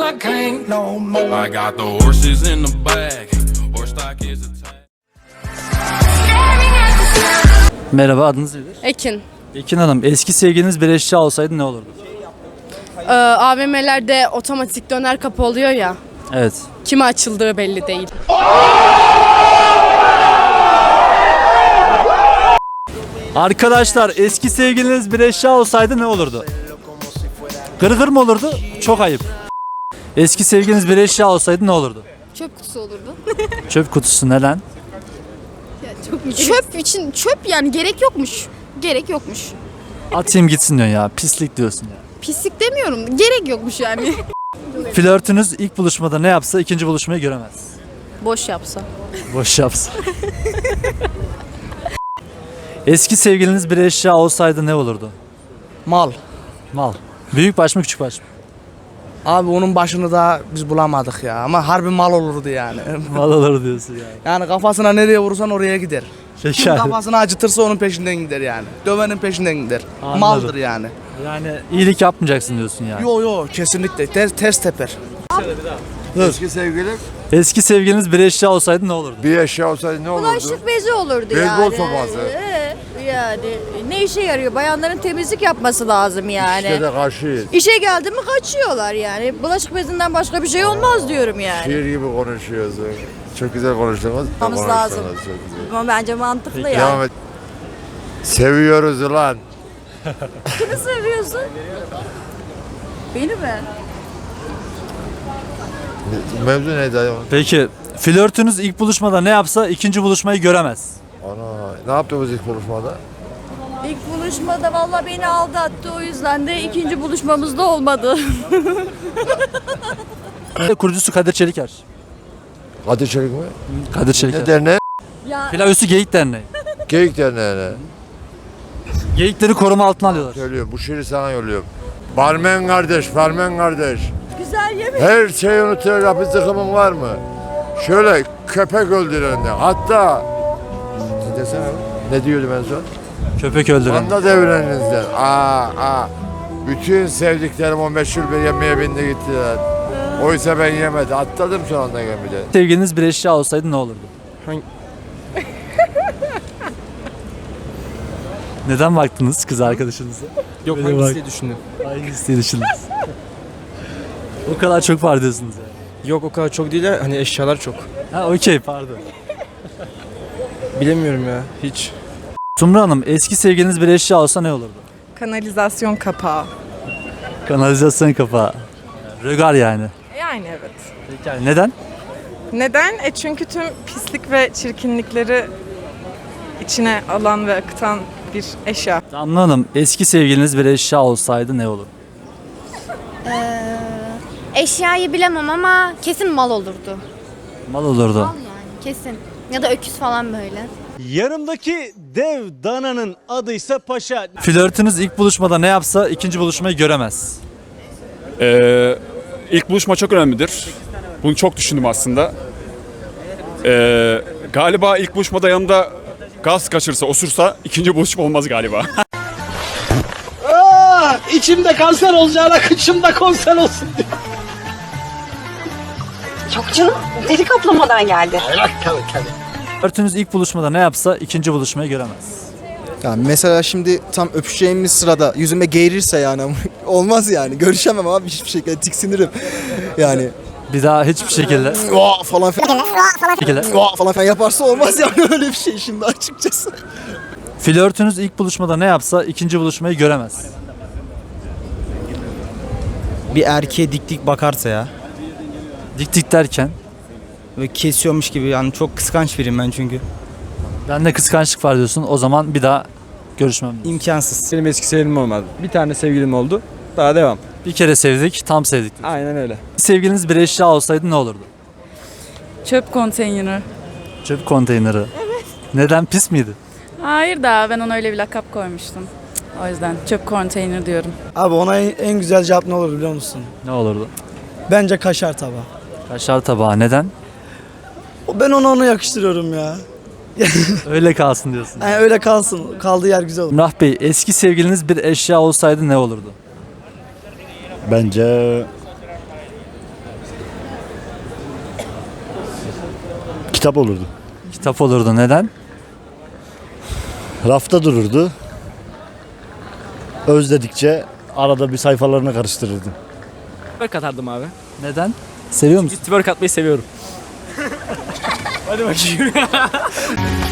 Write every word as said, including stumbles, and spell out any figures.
I can't no more. I got the horses in the back. Horse stock is attached. Merhaba, adınız nedir? Ekin. Ekin Hanım, eski sevgiliniz bir eşya olsaydı ne olurdu? Ee, A V M'lerde otomatik döner kapı oluyor ya. Evet. Kime açıldığı belli değil. Arkadaşlar, eski sevgiliniz bir eşya olsaydı ne olurdu? Gırgır mı olurdu? Çok ayıp. Eski sevgiliniz bir eşya olsaydı ne olurdu? Çöp kutusu olurdu. Çöp kutusu, neden? Çöp için çöp yani gerek yokmuş. Gerek yokmuş. Atayım gitsin diyorsun ya, pislik diyorsun ya. Pislik demiyorum. Gerek yokmuş yani. Flörtünüz ilk buluşmada ne yapsa ikinci buluşmayı göremez. Boş yapsa. Boş yapsa. Eski sevgiliniz bir eşya olsaydı ne olurdu? Mal. Mal. Büyük baş mı küçük baş mı? Abi onun başını da biz bulamadık ya. Ama harbi mal olurdu yani. Mal olur diyorsun yani. Yani kafasına nereye vurursan oraya gider. Kim Şeker. kafasını acıtırsa onun peşinden gider yani. Dövenin peşinden gider. Anladım. Maldır yani. Yani iyilik yapmayacaksın diyorsun yani. Yo yo kesinlikle ters, ters teper. Eski sevgilim Eski sevgiliniz bir eşya olsaydı ne olurdu? bir eşya olsaydı ne olurdu? Bulaşık bezi olurdu Beyzbol yani. sopası. Ee, yani ne işe yarıyor? Bayanların temizlik yapması lazım yani. İşte de karşıyız. İşe geldi mi kaçıyorlar yani. Bulaşık bezinden başka bir şey olmaz diyorum yani. Şiir gibi konuşuyorsun. Çok güzel konuştunuz. Yapmamız Konuştunuz, lazım. çok güzel. Ama bence mantıklı Devam yani. et. Seviyoruz ulan. Kimi seviyorsun? Beni mi? Mevzu neydi ayol? Peki flörtünüz ilk buluşmada ne yapsa ikinci buluşmayı göremez. Ana ne yaptınız ilk buluşmada? İlk buluşmada valla beni aldattı, o yüzden de ikinci buluşmamızda olmadı. Kurucusu Kadir Çeliker. Kadir Çelik mi? Kadir Çeliker. Ne derneği? Ya Pilav Üstü Geyik Derneği. Geyik derneğine. Geyikleri koruma altına alıyorlar. Söylüyorum bu şiiri sana yolluyorum. Barmen kardeş, barmen kardeş. güzel yemek. Her şeyi unutacak bir zıkkımın var mı? Şöyle köpek öldürende. Hatta ne desene? Ne diyordum en son? Köpek öldüren. Anda devrenizden. Aa, aa. Bütün sevdiklerim o meşhur bir yemeğe bindi gittiler. Oysa ben yemedim. Atladım şu anda gemide. Sevgiliniz bir eşya olsaydı ne olurdu? Hangi- Neden baktınız kız arkadaşınıza? Yok Böyle bak. hangisi düşündüm. Aynı isteği düşündünüz. O kadar çok var diyorsunuz yani. Yok o kadar çok değil de hani eşyalar çok. Ha okey, pardon. Bilemiyorum ya hiç. Sumru Hanım, eski sevgiliniz bir eşya olsa ne olurdu? Kanalizasyon kapağı. Kanalizasyon kapağı. Rögar yani. Yani evet. Peki yani neden? Neden? E çünkü tüm pislik ve çirkinlikleri içine alan ve akıtan bir eşya. Damla Hanım, eski sevgiliniz bir eşya olsaydı ne olur? Eşyayı bilemem ama kesin mal olurdu. Mal olurdu. Yani kesin. Ya da öküz falan böyle. Yanımdaki dev dananın adıysa Paşa. Flörtünüz ilk buluşmada ne yapsa ikinci buluşmayı göremez. Ee, ilk buluşma çok önemlidir. Bunu çok düşündüm aslında. Ee, galiba ilk buluşmada yanımda gaz kaçırsa, osursa ikinci buluşma olmaz galiba. İçimde kanser olacağına kıçımda konser olsun diye. Çok canım deri kaplamadan geldi. Flörtünüz ilk buluşmada ne yapsa ikinci buluşmayı göremez. Yani mesela şimdi tam öpüşeceğimiz sırada yüzüme geğirirse yani olmaz yani. Görüşemem abi hiçbir şekilde, tiksinirim. Yani Bir daha hiçbir şekilde. "Vaa" falan filan şekilde. "Vaa" falan filan yaparsa olmaz yani öyle bir şey şimdi açıkçası. Flörtünüz ilk buluşmada ne yapsa ikinci buluşmayı göremez. Bir erkeğe dik dik bakarsa ya Dik dik derken. ve kesiyormuş gibi, yani çok kıskanç biriyim ben çünkü. Bende kıskançlık var diyorsun. O zaman bir daha görüşmem diyorsun. İmkansız. Benim eski sevgilim olmadı. Bir tane sevgilim oldu. Daha devam. Bir kere sevdik, tam sevdik diyorsun. Aynen öyle. Sevgiliniz bir eşya olsaydı ne olurdu? Çöp konteyneri. Çöp konteyneri. Evet. Neden, pis miydi? Hayır da ben ona öyle bir lakap koymuştum. O yüzden çöp konteyner diyorum. Abi ona en güzel cevap ne olur biliyor musun? Ne olurdu? Bence kaşar tabağı. Kaşar tabağı. Neden? Ben ona onu yakıştırıyorum ya. Öyle kalsın diyorsun. Yani öyle kalsın. Kaldığı yer güzel olur. Emrah Bey, eski sevgiliniz bir eşya olsaydı ne olurdu? Bence Kitap olurdu. Kitap olurdu. Neden? Rafta dururdu. Özledikçe arada bir sayfalarını karıştırırdım. Twerk atardım abi. Neden? Seviyor musun? Twerk atmayı seviyorum. Hadi bakayım.